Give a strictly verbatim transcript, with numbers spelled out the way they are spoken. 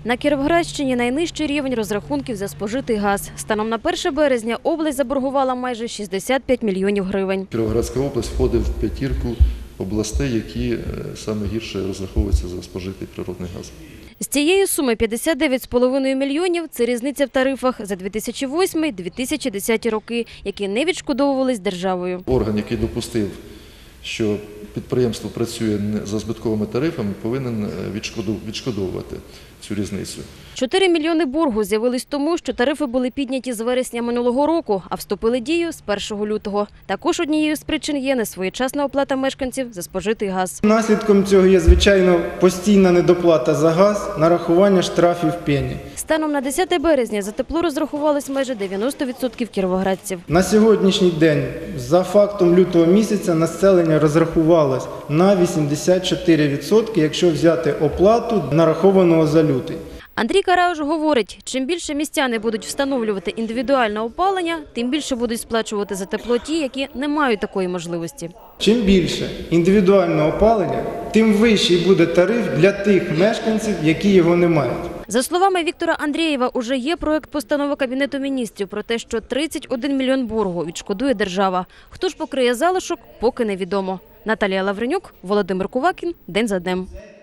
На Кіровоградщині найнижчий рівень розрахунків за спожитий газ. Станом на перше березня область заборгувала майже шістдесят п'ять мільйонів гривень. Кіровоградська область входить в п'ятірку областей, які саме гірше розраховуються за спожитий природний газ. З цієї суми п'ятдесят дев'ять з половиною мільйонів – це різниця в тарифах за дві тисячі восьмий - дві тисячі десятий роки, які не відшкодовувались державою. Орган, який допустив, що підприємство працює за збитковими тарифами, повинен відшкодовувати цю різницю. чотири мільйони боргу з'явились тому, що тарифи були підняті з вересня минулого року, а вступили в дію з першого лютого. Також однією з причин є несвоєчасна оплата мешканців за спожитий газ. Наслідком цього є, звичайно, постійна недоплата за газ, нарахування штрафів пені. Станом на десяте березня за тепло розрахувалось майже дев'яносто відсотків кіровоградців. На сьогоднішній день, за фактом лютого місяця, населення розрахувалось на вісімдесят чотири відсотки, якщо взяти оплату нарахованого за лютий. Андрій Карауш говорить, чим більше містяни будуть встановлювати індивідуальне опалення, тим більше будуть сплачувати за тепло ті, які не мають такої можливості. Чим більше індивідуального опалення, тим вищий буде тариф для тих мешканців, які його не мають. За словами Віктора Андрієва, уже є проект постанови Кабінету міністрів про те, що тридцять один мільйон боргу відшкодує держава. Хто ж покриє залишок, поки невідомо. Наталія Лавренюк, Володимир Кувакін. День за днем.